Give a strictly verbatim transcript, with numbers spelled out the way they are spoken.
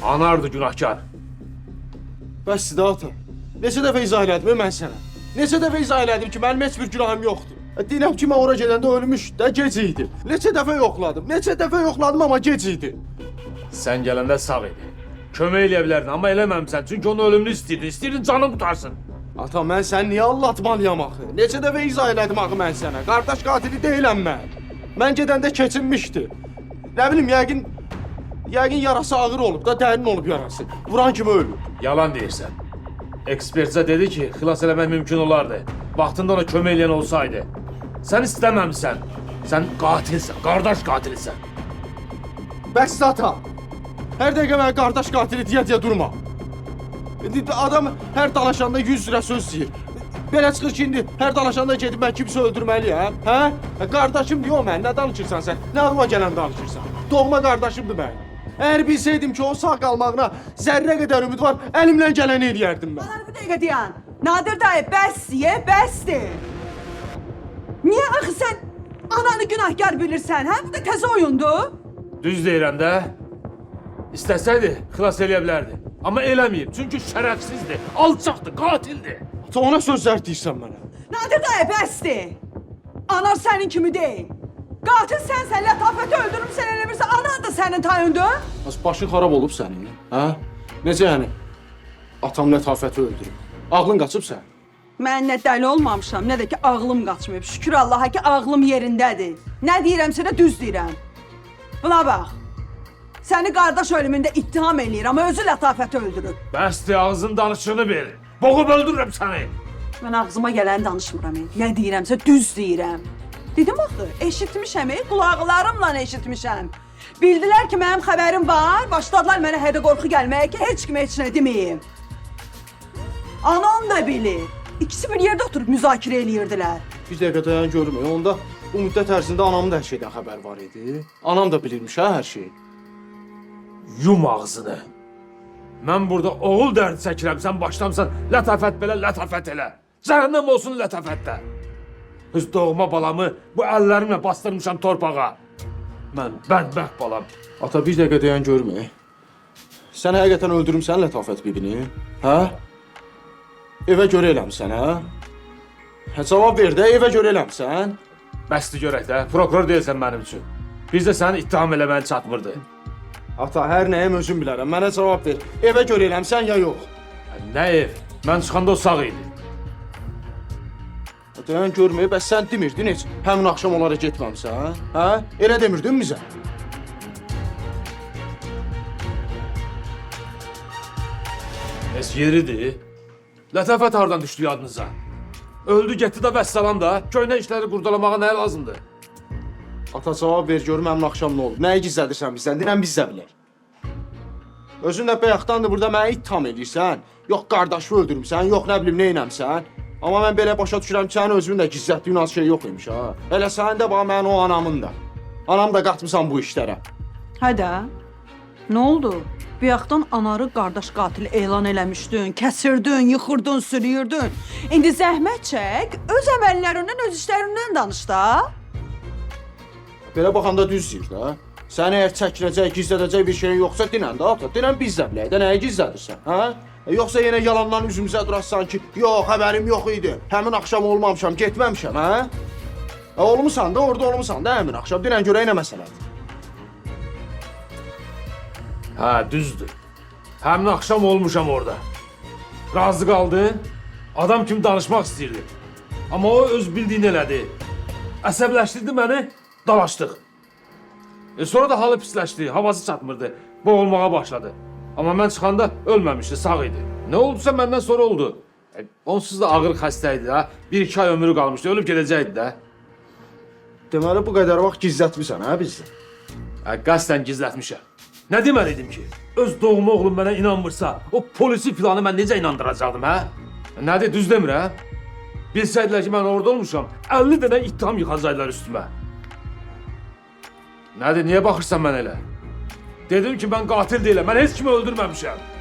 Anardı günahkar. Bəs də ata. Neçə dəfə izah elədim mən sənə? Neçə dəfə izah elədim ki, mənim heç bir günahım yoxdur. Deyirəm ki, mən ora gedəndə ölmüş də gec idi. Neçə dəfə yoxladım, neçə dəfə yoxladım, amma gec idi. Sən gələndə sağ idi. Kömək eləyə bilərdin, amma eləməmsən. Çünki onun ölümünü istəyirdin, istəyirdin canını qutarsın. Ata, mən sən niyə allatmalıyam axı? Neçə dəfə izah elədim axı mən sənə? Qardaş qatili deyiləm mən. Mən gedəndə keçinmişdi. Nə bilim, yəqin... Yəqin yarası ağır olub da, dərin olub yarası. Vuran kimi ölüb. Yalan deyirsən. Ekspertizə dedi ki, xilas eləmək mümkün olardı. Vaxtında ona kömək eləyən olsaydı. Sən istəməmsən. Sən qatilsən, qardaş qatilsən. Bəs ata. Hər dəqiqə mənə qardaş qatili deyə-deyə durma. Adam hər dalaşanda yüz lira söz deyir. Belə çıxır ki, indi hər dalaşanda gedib mən kimsə öldürməliyəm, hə? Qardaşım deyə o mən, nə danışırsan sən? Nə ağlıma gələn danışırsan? Doğma qardaşımdır mən. Əgər bilsəydim ki, o sağ qalmağına zərrə qədər ümid var, əlimlə gələni eləyərdim mən. Bana bir dəqiqə deyən. Nadir dayı, bəs ye, bəsdir. Niyə axı sən ananı günahkar bilirsən, hə? Bu da təzə oyundur. Düz deyirəm də. İstəsəydi, xilas eləyə bilərdi. Amma eləməyib, çünki şərəfsizdir, alçaqdır, qatildir. Ata, ona sözlər deyirsən mənə. Nadir dayı, bəsdir. Anar sənin kimi deyil. Qatil sənsən, lətafəti öldürmüsən, elə bilirsən, anan da sənin tayındır. Az başın xarab olub sənin, hə? Necə yəni? Atam lətafəti öldürüb. Ağlın qaçıb sən? Mən nə dəli olmamışam, nə də ki ağlım qaçmayıb. Şükür Allaha ki ağlım yerindədir. Nə deyirəmsə də düz deyirəm. Buna bax. Səni qardaş ölümündə ittiham eləyir, amma özü lətafəti öldürüb. Bəsdir, ağzın danışığını bil. Boğub öldürürəm səni. Mən ağzıma gələni danışmıram. Nə deyirəmsə düz deyirəm. Dedim axı, eşitmişəm, qulaqlarımla eşitmişəm. Bildilər ki, mənim xəbərim var, başladılar mənə hədə qorxu gəlməyə ki, heç kimə heç nə deməyim. Anam da bilir. İkisi bir yerdə oturub müzakirə eləyirdilər. Bir dəqiqə dayan görmüyor. Onda bu müddət ərzində anamın da hər şeydən xəbər var idi. Anam da bilirmiş hə hər şeyi. Yum ağzını. Mən burada oğul dərdi çəkirəm, sən başlamsan lətafət belə, lətafət elə. Cəhənnəm olsun lətafətdə. Öz doğma balamı bu əllərimlə bastırmışam torpağa. Mən bədbəxt balam. Ata, bir dəqiqə dayan görmüyor. Sən həqiqətən öldürmüsən lətafət bibini, hə? Evə görə eləmsən, hə? Hə, cavab ver də, evə görə eləmsən. Bəsdir görək də, prokuror deyilsən mənim üçün. Biz də səni ittiham eləməyə çatmırdı. Ata, hər nəyəm özüm bilərəm. Mənə cavab ver. Evə görə eləmsən ya yox? Nə ev? Mən çıxanda o sağ idi. Dayan görmüyor, bəs sən demirdin heç həmin axşam onlara getməmsən, hə? Elə demirdin bizə? Heç yeridir. Lətafət hardan düşdü yadınıza? Öldü, getdi də vəssalam da. Köynə işləri qurdalamağa nə lazımdır? Ata, cavab ver görüm həmin axşam nə oldu? Nəyi gizlədirsən bizdən? Deyirəm biz də bilək. Özün də bayaqdandır burada mənə ittiham edirsən. Yox qardaşı öldürmüsən, yox nə bilim neynəmsən. Amma mən belə başa düşürəm ki, sənin özünün də gizlətdiyin az şey yox imiş ha. Elə sənin də bax mənim o anamın da. Anam da qatmısan bu işlərə. Hədə, nə oldu? Bayaqdan anarı qardaş qatili elan eləmişdin, kəsirdin, yıxırdın, sürüyürdün. İndi zəhmət çək, öz əməllərindən, öz işlərindən danış da. Belə baxanda düz deyir də. Sən əgər çəkinəcək, gizlədəcək bir şeyin yoxsa dinən də ata. Dinən biz də bilək də nəyi gizlədirsən, hə? E, yoxsa yenə yalandan üzümüzə durarsan ki, yox, xəbərim yox idi. Həmin axşam olmamışam, getməmişəm, hə? E, olmusan da, orada olmusan da həmin axşam. Dinən görək nə məsələdir. Hə, düzdür. Həmin axşam olmuşam orada. Razı qaldın, adam kimi danışmaq istəyirdi. Amma o öz bildiyini elədi. Əsəbləşdirdi məni, dalaşdıq. E, sonra da halı pisləşdi, havası çatmırdı, boğulmağa başladı. Amma mən çıxanda ölməmişdi, sağ idi. Nə oldusa məndən sonra oldu. E, onsuz da ağır xəstə idi ha. Bir iki ay ömrü qalmışdı, ölüb gedəcəkdi də. Deməli bu qədər vaxt gizlətmisən hə bizdən? E, qəsdən gizlətmişəm. Nə deməliydim ki? Öz doğma oğlum mənə inanmırsa, o polisi filanı mən necə inandıracaqdım hə? E, nədir, düz demir hə? Bilsəydilər ki, mən orada olmuşam, əlli dənə ittiham yıxacaqlar üstümə. Nədir, niyə baxırsan mən elə? Dedim ki, mən qatil deyiləm, mən heç kimi öldürməmişəm.